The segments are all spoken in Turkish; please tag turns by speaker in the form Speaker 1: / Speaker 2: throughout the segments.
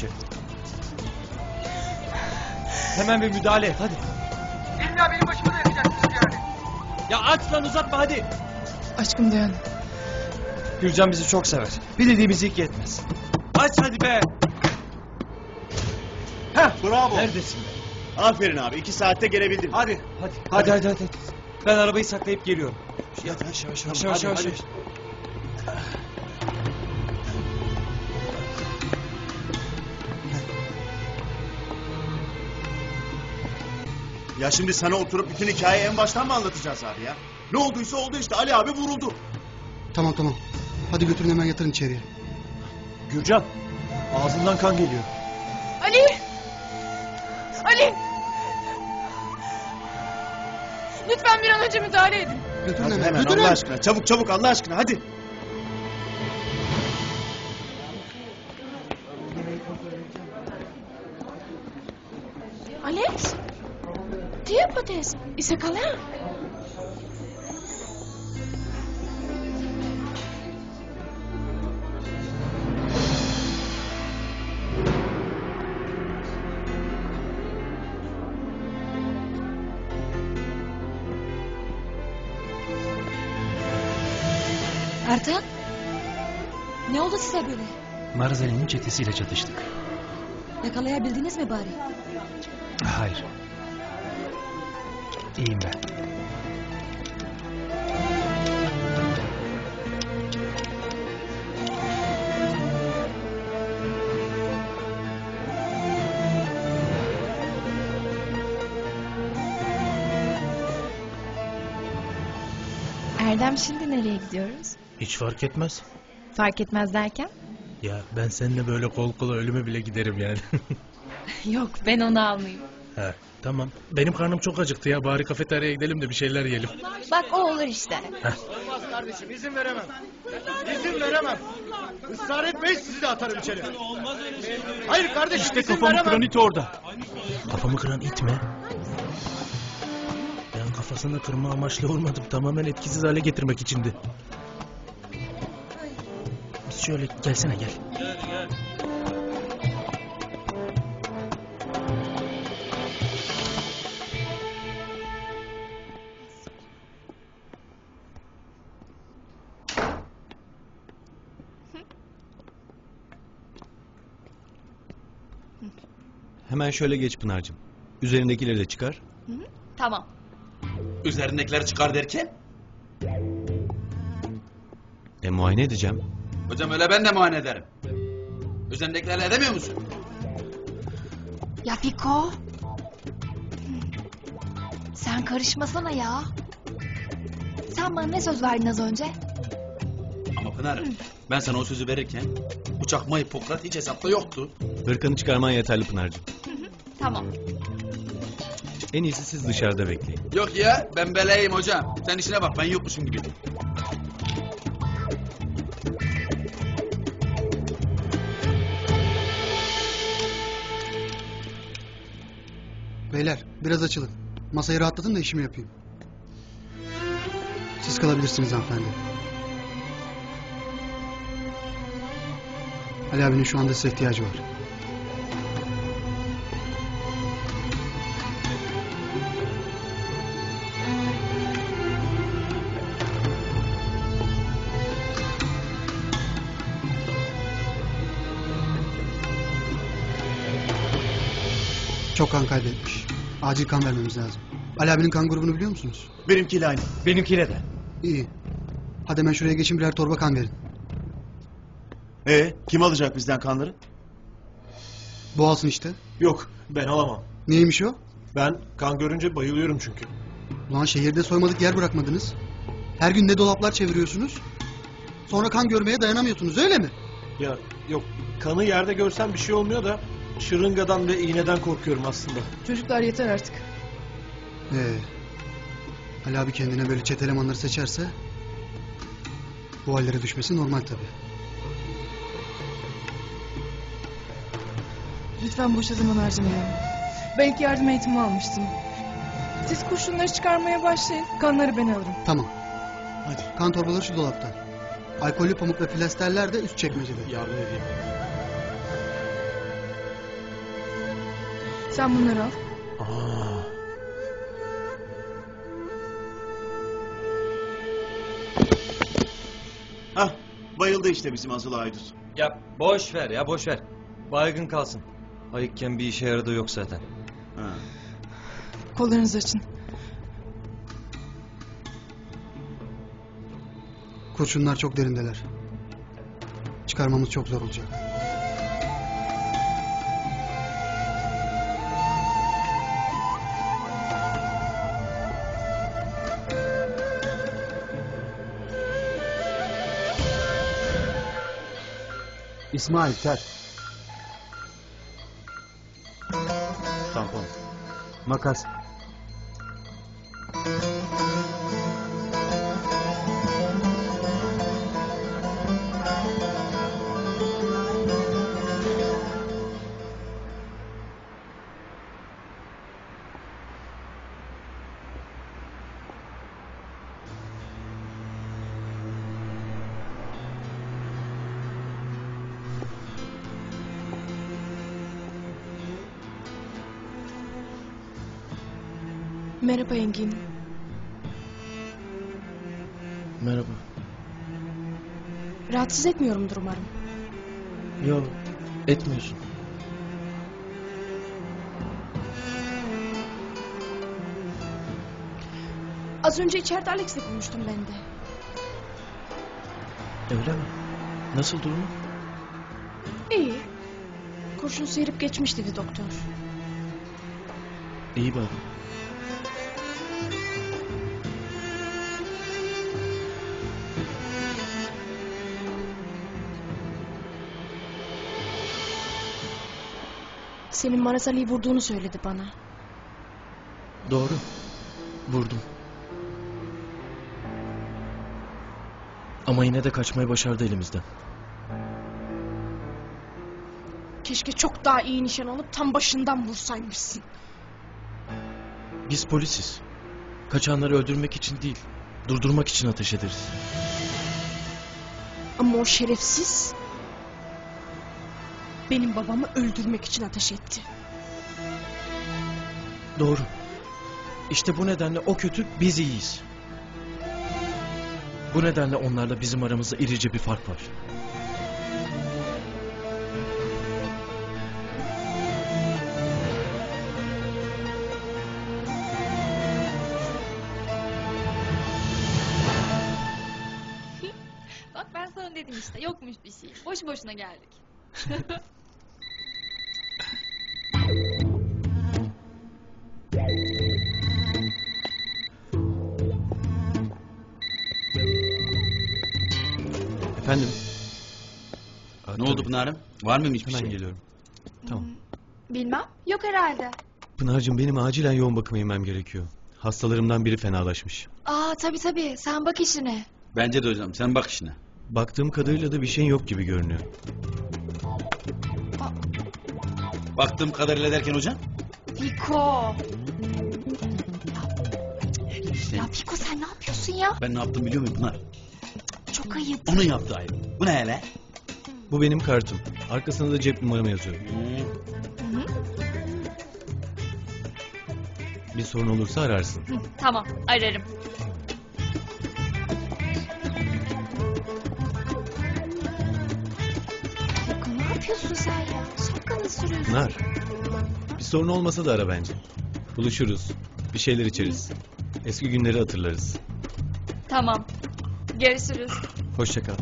Speaker 1: şef. Hemen bir müdahale et hadi.
Speaker 2: İlla benim başıma da yakacaksınız yani.
Speaker 1: Ya aç lan uzatma hadi.
Speaker 3: Aşkım dayan.
Speaker 1: Gürcan bizi çok sever. Bir dediğimiz ilk yetmez. Aç hadi be.
Speaker 4: Heh, bravo.
Speaker 1: Neredesin be?
Speaker 4: Aferin abi, 2 saatte gelebildin.
Speaker 1: Hadi. Hadi. Ben arabayı saklayıp geliyorum.
Speaker 4: Yavaş.
Speaker 1: Yavaş.
Speaker 4: Ya şimdi sana oturup bütün hikayeyi en baştan mı anlatacağız abi ya? Ne olduysa oldu işte, Ali abi vuruldu.
Speaker 5: Tamam. Hadi götürün hemen yatırın içeriye.
Speaker 1: Gürcan. Ağzından kan geliyor.
Speaker 3: Ali! Lütfen bir an önce müdahale edin.
Speaker 5: Götürün
Speaker 4: Hadi
Speaker 5: hemen.
Speaker 4: hemen
Speaker 5: Götürün.
Speaker 4: Allah aşkına, çabuk Allah aşkına hadi.
Speaker 3: Alex? Dia potes? Isa ka lang.
Speaker 6: Ertan? Ne oldu size böyle?
Speaker 7: Marzali'nin çetesiyle çatıştık.
Speaker 6: Yakalayabildiniz mi bari?
Speaker 7: Hayır. İyiyim ben.
Speaker 3: Erdem, şimdi nereye gidiyoruz?
Speaker 7: Hiç fark etmez.
Speaker 3: Fark etmez derken?
Speaker 7: Ya ben seninle böyle kol kola ölüme bile giderim yani.
Speaker 3: Yok, ben onu almayayım.
Speaker 7: He, tamam. Benim karnım çok acıktı ya. Bari kafeteryaya gidelim de bir şeyler yiyelim.
Speaker 3: Bak o olur işte.
Speaker 4: Olmaz kardeşim, izin veremem. İzin veremem. Israr etmeyin, sizi de atarım içeri. Hayır kardeşim,
Speaker 1: İşte
Speaker 4: izin
Speaker 1: kafamı
Speaker 4: veremem.
Speaker 1: kıran it orada.
Speaker 7: Kafamı kıran it mi? Ben kafasını kırma amaçlı vurmadım. Tamamen etkisiz hale getirmek içindi. Biz şöyle gelsene gel.
Speaker 8: Hemen şöyle geç Pınar'cığım. Üzerindekileri de çıkar.
Speaker 3: Tamam.
Speaker 9: Üzerindekileri çıkar derken?
Speaker 8: Muayene edeceğim.
Speaker 9: Hocam öyle ben de muayene ederim. Üzerindekileri edemiyor musun?
Speaker 6: Ya Fiko? Sen karışmasana ya. Sen bana ne söz verdin az önce?
Speaker 9: Ama Pınar, ben sana o sözü verirken bu çakma Hipokrat hiç hesapta yoktu.
Speaker 8: Hırkanı çıkarman yeterli Pınar'cığım.
Speaker 6: Tamam.
Speaker 8: En iyisi siz dışarıda bekleyin.
Speaker 9: Yok ya, ben beleyim hocam. Sen işine bak, ben yokmuşum gibi.
Speaker 5: Beyler biraz açılın. Masayı rahatlatın da işimi yapayım. Siz kalabilirsiniz hanımefendi. Ali abinin şu anda size ihtiyacı var. Çok kan kaybetmiş. Acil kan vermemiz lazım. Ali abinin kan grubunu biliyor musunuz?
Speaker 4: Benimkiyle aynı.
Speaker 1: Benimkine de.
Speaker 5: İyi. Hadi hemen şuraya geçin, birer torba kan verin.
Speaker 4: Kim alacak bizden kanları?
Speaker 5: Bu alsın işte.
Speaker 10: Yok, ben alamam.
Speaker 5: Neymiş o?
Speaker 10: Ben kan görünce bayılıyorum çünkü.
Speaker 5: Ulan şehirde soymadık yer bırakmadınız. Her gün ne dolaplar çeviriyorsunuz. Sonra kan görmeye dayanamıyorsunuz, öyle mi?
Speaker 10: Ya yok, kanı yerde görsem bir şey olmuyor da şırıngadan ve iğneden korkuyorum aslında.
Speaker 3: Çocuklar yeter artık.
Speaker 5: Ali abi kendine böyle çete elemanları seçerse bu hallere düşmesi normal tabii.
Speaker 3: Lütfen boşa zaman harcamayalım. Belki yardım eğitimi almıştım. Siz kurşunları çıkarmaya başlayın. Kanları ben alırım.
Speaker 5: Tamam.
Speaker 4: Hadi.
Speaker 5: Kan torbaları şu dolapta. Alkollü pamuk ve plasterler de üst çekmecede.
Speaker 10: Yardım edeyim.
Speaker 3: Sen bunları al.
Speaker 9: Hah, bayıldı işte bizim Azıl Aydut.
Speaker 1: Ya boş ver ya boş ver. Baygın kalsın. Ayıkken bir işe yaradığı yok zaten.
Speaker 9: Ha.
Speaker 3: Kollarınızı açın.
Speaker 5: Kurşunlar çok derindeler. Çıkarmamız çok zor olacak.
Speaker 4: İsmail ter.
Speaker 8: Tampon.
Speaker 4: Makas.
Speaker 3: Merhaba Engin.
Speaker 10: Merhaba.
Speaker 3: Rahatsız etmiyorumdur umarım.
Speaker 10: Yok, etmiyorsun.
Speaker 3: Az önce içeride Alex'le konuştum ben de.
Speaker 10: Öyle mi? Nasıl durumu?
Speaker 3: İyi. Kurşun sıyırıp geçmiş dedi doktor.
Speaker 10: İyi bari.
Speaker 3: Senin Maraz Ali'yi vurduğunu söyledi bana.
Speaker 10: Doğru. Vurdum. Ama yine de kaçmayı başardı elimizden.
Speaker 3: Keşke çok daha iyi nişan alıp tam başından vursaymışsın.
Speaker 10: Biz polisiz. Kaçanları öldürmek için değil, durdurmak için ateş ederiz.
Speaker 3: Ama o şerefsiz benim babamı öldürmek için ateş etti.
Speaker 10: Doğru. İşte bu nedenle o kötü, biz iyiyiz. Bu nedenle onlarla bizim aramızda irice bir fark var.
Speaker 6: Bak ben sana dedim işte yokmuş bir şey. Boş boşuna geldik.
Speaker 8: Efendim?
Speaker 9: Ne oldu Pınar'ım? Var mıymış bir
Speaker 8: Hemen
Speaker 9: şey?
Speaker 8: geliyorum. Tamam.
Speaker 6: Bilmem. Yok herhalde.
Speaker 8: Pınar'cığım benim acilen yoğun bakıma inmem gerekiyor. Hastalarımdan biri fenalaşmış.
Speaker 6: Aa tabii sen bak işine.
Speaker 9: Bence de hocam, sen bak işine.
Speaker 8: Baktığım kadarıyla da bir şeyin yok gibi görünüyor.
Speaker 9: Baktığım kadarıyla derken hocam?
Speaker 6: Fiko.
Speaker 9: İşte
Speaker 6: Ya Fiko sen ne yapıyorsun ya?
Speaker 9: ben ne yaptım biliyor musun Pınar?
Speaker 6: Çok ayıp.
Speaker 9: Onun yaptığı ayıp. Bu ne hele?
Speaker 8: Bu benim kartım. Arkasında da cep numaramı yazıyorum.
Speaker 6: Hı,
Speaker 8: Bir sorun olursa ararsın.
Speaker 6: tamam ararım. Fiko ne yapıyorsun sen ya? Şapkanı sürüyorsun.
Speaker 8: Pınar. Bir sorun olmasa da ara bence. Buluşuruz. Bir şeyler içeriz. Eski günleri hatırlarız.
Speaker 6: Tamam. Görüşürüz.
Speaker 8: Hoşça kal.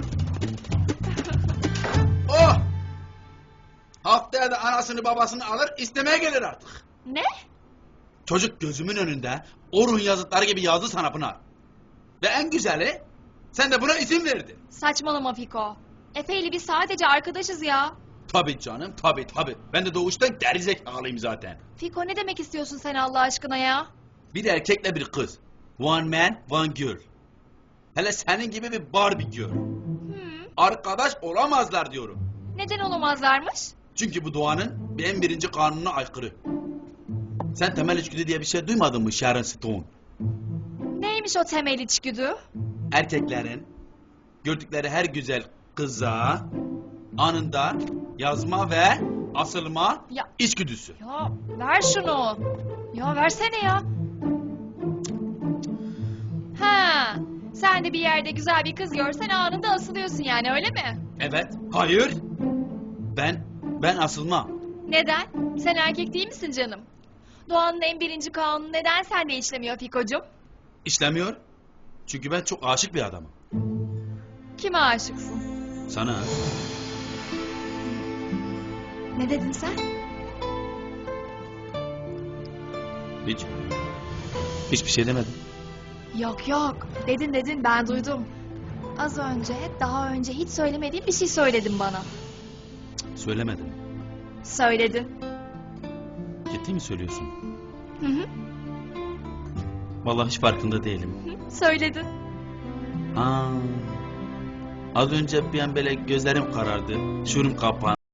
Speaker 9: Oh! Haftaya da anasını babasını alır istemeye gelir artık.
Speaker 6: Ne?
Speaker 9: Çocuk gözümün önünde Orhun yazıtları gibi yazdı sana Pınar. Ve en güzeli sen de buna izin verdin.
Speaker 6: Saçmalama Fiko. Efe ile biz sadece arkadaşız ya.
Speaker 9: Tabii canım tabii. Ben de doğuştan gerizekalıyım zaten.
Speaker 6: Fiko ne demek istiyorsun sen Allah aşkına ya?
Speaker 9: Bir erkekle bir kız. One man, one girl. Hele senin gibi bir Barbie girl. Arkadaş olamazlar diyorum.
Speaker 6: Neden olamazlarmış?
Speaker 9: Çünkü bu doğanın en birinci kanununa aykırı. Sen temel içgüdü diye bir şey duymadın mı Sharon Stone?
Speaker 6: Neymiş o temel içgüdü?
Speaker 9: Erkeklerin gördükleri her güzel kıza anında yazma ve asılma,
Speaker 6: Ya.
Speaker 9: içgüdüsü.
Speaker 6: Ya ver şunu. Ya versene ya. Ha, sen de bir yerde güzel bir kız görsen anında asılıyorsun yani öyle mi?
Speaker 9: Evet. Hayır. Ben asılmam.
Speaker 6: Neden? Sen erkek değil misin canım? Doğanın en birinci kanunu neden sende işlemiyor Fiko'cum?
Speaker 9: İşlemiyor. Çünkü ben çok aşık bir adamım.
Speaker 6: Kime aşıksın?
Speaker 9: Sana.
Speaker 6: Ne dedin sen?
Speaker 9: Hiç. Hiçbir şey demedim.
Speaker 6: Yok yok. Dedin ben duydum. Az önce, daha önce hiç söylemediğin bir şey söyledin bana.
Speaker 9: Söylemedim.
Speaker 6: Söyledin.
Speaker 9: Ciddi mi söylüyorsun?
Speaker 6: Hı hı.
Speaker 9: Vallahi hiç farkında değilim.
Speaker 6: Söyledin.
Speaker 9: Az önce bir an böyle gözlerim karardı. Şuurum kapandı.